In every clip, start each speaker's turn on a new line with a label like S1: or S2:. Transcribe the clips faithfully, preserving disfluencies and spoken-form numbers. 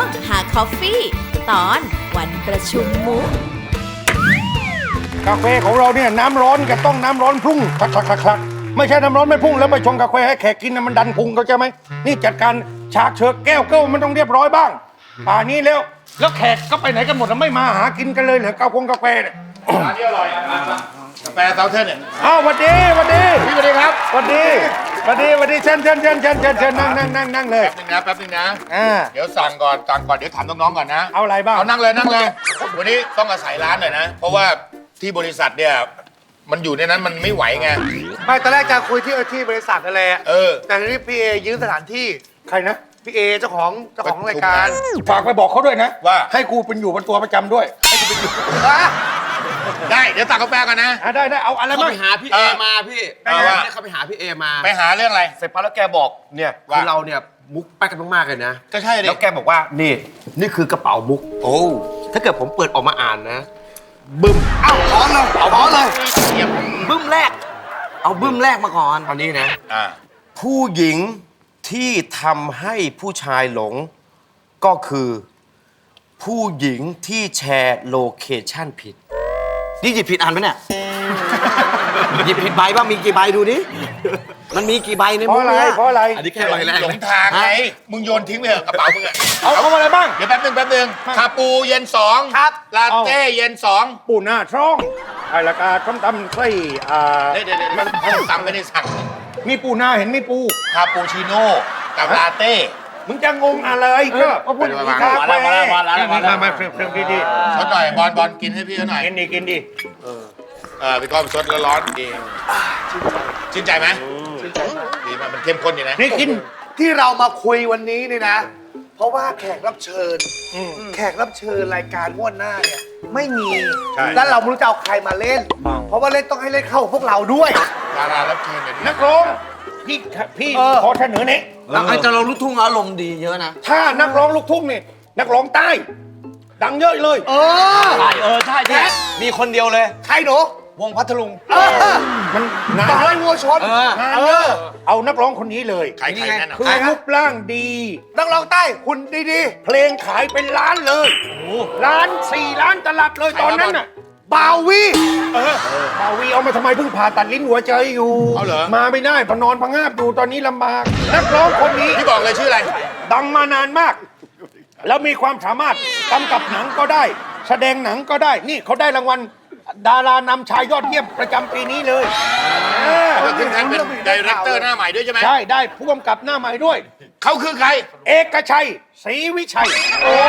S1: หาคอฟฟี่ตอนวันประชุมมุก
S2: กาแฟของเราเนี่ยน้ำร้อนกับต้องน้ำร้อนพุ่งคลักคลักคลักคลักไม่ใช่น้ำร้อนไม่พุ่งแล้วไปชงกาแฟให้แขกกินนะมันดันพุงเขาใจไหมนี่จัดการฉากเชิกแก้วเก้ามันต้องเรียบร้อยบ้างป่านี้แล้วแล้วแขกก็ไปไหนกันหมดแล้วไม่มาหากินกันเลยเหรอกาแฟกาแฟเนี่ย
S3: ร้านนี้อร่อยกาแฟเซาเทิร์นเนี่ย
S2: อ้าวสวัสดีสวัสดี
S3: พี่สวัสดีครับ
S2: สวัสดีสวัสดีสวัสดีเชิญเชิญเชิญเชิญเชิญเชิญนั่งนั่งนั่งนั่งเลย
S3: แป๊บนึงนะแป๊บนึงนะ
S2: อ่า
S3: เดี๋ยวสั่งก่อนสั่งก่อนเดี๋ยวถามน้องๆก่อนนะ
S2: เอาอะไรบ้าง
S3: เอานั่งเลยนั่งเลย วันนี้ต้องอาศัยร้านหน่อยนะ เพราะว่าที่บริษัทเนี่ยมันอยู่ในนั้นมันไม่ไหวไง
S4: ไม่ตอนแรกจะคุยที่ที่บริษัทนั่นแหละ
S3: เออ
S4: แต่ทีนี้พี่เอยืมสถานที่
S2: ใครนะ
S4: พี่เอเจ้าของเจ้าของรายการ
S2: ฝากไปบอกเขาด้วยนะ
S3: ว่า
S2: ให้กูเป็นอยู่เป็นตัวประจำด้วย
S4: อ่ะ
S3: ได้เดี๋ยวสั่งกาแฟกันนะ
S2: อ่ะได้ได้เอาอะไร
S5: เขา
S2: บ้าง
S5: ไปหาพี่เอมาพี่
S3: เออว่า
S5: เนี่ยเขาไปหาพี่เอมา
S3: ไปหาเรื่องอะไร
S5: เสร็จปั๊บแล้วแกบอกเนี่ย
S3: ว่า
S5: คือเราเนี่ยมุกแป๊กกันมากๆเลยนะ
S3: ก็ใช่ดิ
S5: แล้วแกบอกว่านี่นี่คือกระเป๋ามุก
S3: โอ้
S5: ถ้าเกิดผมเปิดออกมาอ่านนะบึ้มเอ้าขอเลยเอาขอเลย
S3: เยี่ยม
S5: บึ้มแรก เอาบึ้มแรกมาก่อนตอนนี้นะ
S3: อ่า
S5: ผู้หญิงที่ทำให้ผู้ชายหลง ก็คือ ผู้หญิงที่แชร์โลเคชั่นผิด นี่หยิบผิดอันไหมเนี่ย หยิบผิดใบบ้างมีกี่ใบดูดิ มันมีกี่ใบใน
S2: เพ
S5: มุ
S2: ราะ
S5: ก
S2: อะไร
S5: เนี่ย
S2: เพราะอะไร
S5: อันนี้แค่ใบแรก
S3: หลง
S5: นะ
S3: ทางไงมึงโยนทิ้งไปเถอะกระเป๋ามึงอะ
S2: เอาเอาอะไรบ้าง
S3: เดี๋ยวแป๊บนึงแป๊บนึงคาปูเย็นสองครับลาเต้เย็นสอง
S2: ปูหน้าช่องไอ้ละกาต้มตำไส้อ่า
S3: เดี๋ยวเดี๋ยวเดี๋ยวมันตำไม่ได้สั่ง
S2: มีปูหน้าเห็นมีปู
S3: คาปูชิโน่กับลาเต้
S2: มึงจะงงอะไรก็ก็พูดอย่างนี้ครับ
S3: มาแล้วมาแล้วมาแล้วมาแล้ว
S2: มามาเฟรมเฟรมดี
S3: ชดหน่อยบอลบอลกินให้พี่เขาหน่อย
S2: ๆกินดีกินดี
S3: เออพี่ก้องชดแล้วร้อนดีชื่นใจไหมดีมากมันเข้มข้นดีนะ
S2: นี่กิน
S4: ที่เรามาคุยวันนี้นี่นะ เพราะว่าแขกรับเชิญ แขกรับเชิญรายการงวดหน้าเนี่ยไม่มี
S3: ใช่
S4: แล้วเราไม่รู้จะเอาใครมาเล่น เพราะว่าเล่นต้องให้เล่นเข้ากับพวกเราด้วย
S3: ดารารับเชิญเนี่ย
S2: นักร้องพี่พี่
S4: เออ
S2: ขอเสนอนี้
S5: แล้วไอ้จะลงลูกทุ่งอารมณ์ดีเยอะนะ
S2: ถ้านักร้องลูกทุ่งนี่นักร้องใต้ ดังเยอะเลย
S4: เออ
S5: เออ ใช่ใช่มีคนเดียวเลย
S4: ใครหนู
S5: วงพัทลุง
S4: เออ
S2: มันงาน
S4: ต่อยวัวชน
S5: เออ
S2: งานเยอะเอานักร้องคนนี้เลย
S3: ใครใครแน่นอน
S2: คือรูปร่างดี
S4: นักร้องใต้หุ่นดี
S2: เพลงขายเป็นล้านเลยล้านสี่ล้านตลับเลยตอนนั้นน่ะ
S4: ๆบาวี
S2: เออบ่าวีเอามาทำไมเพิ่งผ่าตัดลิ้นหัวใจอยู่
S3: เอาเหรอ
S2: มาไม่ได้พอนอนพังงาบอยู่ตอนนี้ลำบาก นักร้องคนนี้
S3: พี่บอกเลยชื่ออะไร
S2: ดังมานานมาก แล้วมีความสามารถกำกับหนังก็ได้ แสดงหนังก็ได้ นี่เขาได้รางวัลดารานำชายยอดเยี่ยมประจำปีนี้เลยเออ
S3: ก็คือท่านเป็นดีเรคเตอร์หน้าใหม่ด้วยใช่ไหม
S2: ใช่ได้ผู้กำกับหน้าใหม่ด้วย
S3: เขาคือใคร
S2: เอกชัยศรีวิชัย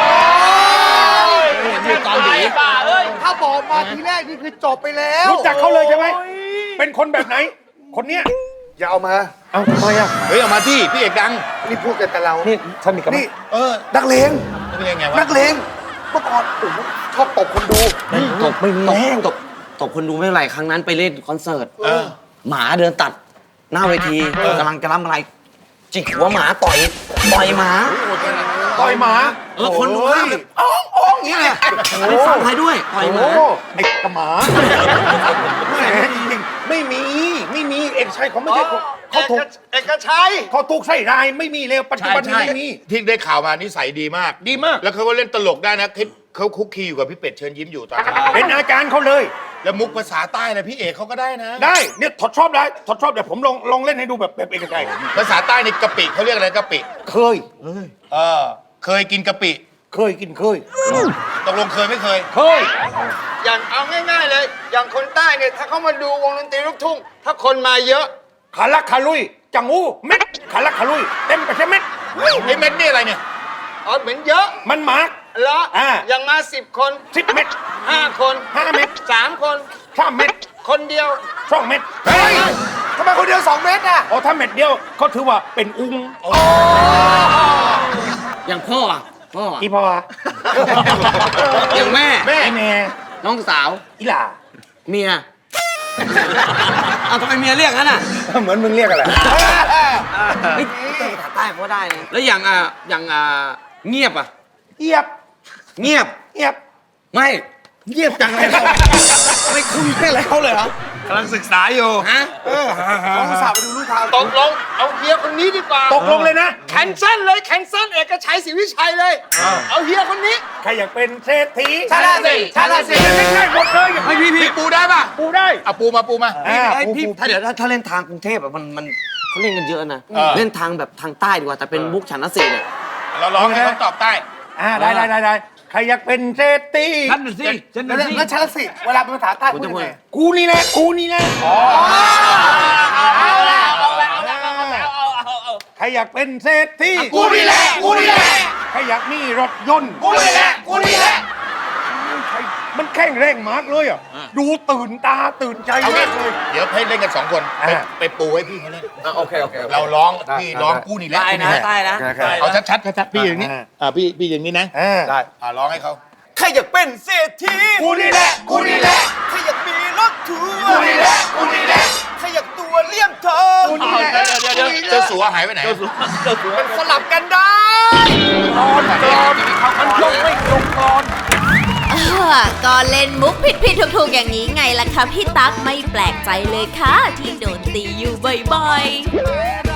S5: อยู่ตอนดี
S4: ถ้าบอกมาทีแรกนี่คือจบไปแล้ว
S2: รู้จักเขาเลยใช่ไหมเป็นคนแบบไหน คนเนี้ย
S4: อย่าเอามา
S2: เอ้าทำไมอ่ะ
S3: เฮ้ยเอามาที่พี่เอกดัง
S4: นี่พูดกันแต่เรา
S2: นี่สนิทกับ
S4: นี่
S3: เออ
S4: นักเลง
S3: นี่เป็นยังไงวะ
S4: นักเลงเมื่อก่อนโอ้โหชอบตบคนดู
S5: ตบไม่มีตบตบตบคนดูไม่เป็นไรครั้งนั้นไปเล่นคอนเสิร์ต
S3: เออ
S5: หมาเดินตัด หน้าเวทีกำลังจะรับอะไร จิกหัวหมาต่อยต่อยหมา
S2: ต่อยหมา
S5: เออคนดู
S2: โอ้ย
S5: ห้ามแบบอ้องอ้องอย่างเงี้ยไม่ฟังใครด้วยต่อยหมา
S2: โอ้ไอ้กระหมาแหมจริงๆไม่มีไม่มีเอกชัยเขาไม่ใช่คนเขาถูก
S4: เอกชัย
S2: เขาถูกใส่รายไม่มีเลยปัจจุ
S3: ใช่
S2: บันนี้
S3: ใช่
S2: ไม่มี
S3: ที่ได้ข่าวมานิสัยดีมาก
S2: ดีมาก
S3: แล้วเขาก็เล่นตลกได้นะเขาเขาคุกคีอยู่กับพี่เป็ดเชิญยิ้มอยู่ตอนนี้
S2: เป็นอาจารย์เขาเลย
S3: แล้วมุกภาษาใต้นะพี่เอกเขาก็ได้นะ
S2: ได้เนี่ยถอดชอบได้ถอดชอบเดี๋ยวผมลองลองเล่นให้ดูแบบแบบเอกชัย
S3: ภาษาใต้ในกะปิเขาเรียกอะไรกะปิ
S2: เคย
S3: เออ เคยกินกะปิ
S2: เคยกินเคย
S3: ตกลงเคยไม่เคย
S2: เคย
S6: อย่างเอาง่ายๆเลย อย่างคนใต้เนี่ยถ้าเขามาดูวงดนตรีลูกทุ่ง ถ้าคนมาเยอะ
S2: ขาลักขาลุยจังหูเม็ดขาลักขาลุยเต็มไปใช่เม็ด
S3: ไอ้เม็ดนี่อะไรเนี่ย
S6: อ๋อเหมือนเยอะ
S2: มันหมาก
S6: แล้ว
S2: อ่า
S6: อย่างมาสิบคน
S2: สิบเม็ด
S6: ห้าคน
S2: ห้าเม็ด
S6: สามคน
S2: สามเม็ด
S6: คนเดียว
S2: สองเม็ด
S4: เฮ้ยทำไมคนเดียวสองเมตรอ่ะ
S2: อ๋อถ้าเม็ดเดียวเขาถือว่าเป็นอุ้ง
S5: อย่างพ่ออะพ่ออะ
S2: อีพอ
S5: อย่างแม่
S3: แม่
S2: ไอแม่
S5: น้องสาว
S2: อีหล่า
S5: เมียเอาทำไมเมียเรียกงั้นอ่ะ
S2: เหมือนมึงเรียกอะไร
S5: เฮ้ยภาษาใต้เขาได้นะแล้วอย่างอ่ะอย่างอ่ะเงียบอ่ะ
S2: เอียบ
S5: เงียบ
S2: เอียบ
S5: ไม่เงียบจังเลยไม่คุยไม่อะไรเขาเลยเหรอก
S7: ำลังศึกษาอยู่
S3: ฮะ
S4: เขาอุตส่าห์ไปดูลูกทาง
S6: ตกลงเอาเฮียคนนี้ดีกว่า
S2: ตกลงเลยนะ
S6: แคนเซิลเลยแคนเซิลเอกชัยศรีวิชัยเลย เอาเฮียคนนี้
S2: ใครอยากเป็นเศรษฐี
S6: ชาลาสิชาลาสิ
S2: ง่ายๆหมดเลยอย่าง
S3: พี่พี่ปูได้ป่ะ
S2: ปูได้
S3: เอาปูมาปูมา
S2: อ่า
S5: ไอ้
S2: ปู
S5: พี่
S2: ปู
S5: ถ้าเดี๋ยวถ้าถ้าเล่นทางกรุงเทพอะมันมันเขาเล่นกันเยอะนะ
S3: เออ
S5: เล่นทางแบบทางใต้ดีกว่าแต่เป็นมุกฉันนสีเนี่ย
S3: เราร้องให้เขาตอบใต้
S2: อ่าได้ได้ได้ได้ใครอยากเป็นเศรษฐี
S7: ฉันน่ะสิฉัน
S4: แล้ว
S7: น่ะสิ
S4: แล้วชาลสิเวลาเป็นภาษาใต้พูดยังไง
S2: กูนี่แหละกูนี่แหละ
S6: เอาละเอาละเอาละเอาละเอาเอาเอา
S2: ใครอยากเป็นเศรษฐี
S6: กูนี่แหละกูนี่แหละ
S2: ใครอยากมีรถยนต์
S6: กูนี่แหละกูนี่แหละ
S2: ใครมันแข่งแรงมากเลยอ่ะดูตื่นตาตื่นใจ
S3: เอางี้
S2: มากเลย
S3: เดี๋ยวให้เล่นกันสองคนไป
S2: อ่า
S3: ไปปูให้พี่เขาเล่น
S5: โอเคโอเค
S3: เราร้องพี่ร้องกู้นี่แหละ
S5: ใต้นะใต้นะ
S3: เอาชัดชัดชัดๆพี่อย่างนี้อ่าพี่พี่อย่างนี้นะ
S2: อ่า
S3: ได้อ่าร้องให้เขา
S5: ใครอยากเป็นเศรษฐี
S2: กูนี่แหละกูนี่แหละ
S5: ใครอยากมีรถทัว
S2: กู
S5: ร์
S2: นี่แหละกูนี่แหละ
S5: ใครอยากตัวเลี่ยมทอง
S2: กูนี่แหละ
S3: เดี๋ยวเดี๋ยวเดี๋ยวเจ้าสัวหายไปไหน
S5: มันสลับกันได้
S2: มันยกไม่ลงก่อน
S1: เออก็เล่นมุกผิดผิดถูกถูกๆอย่างนี้ไงล่ะคะพี่ตั๊กไม่แปลกใจเลยค่ะ ที่โดนตีอยู่บ่อยๆ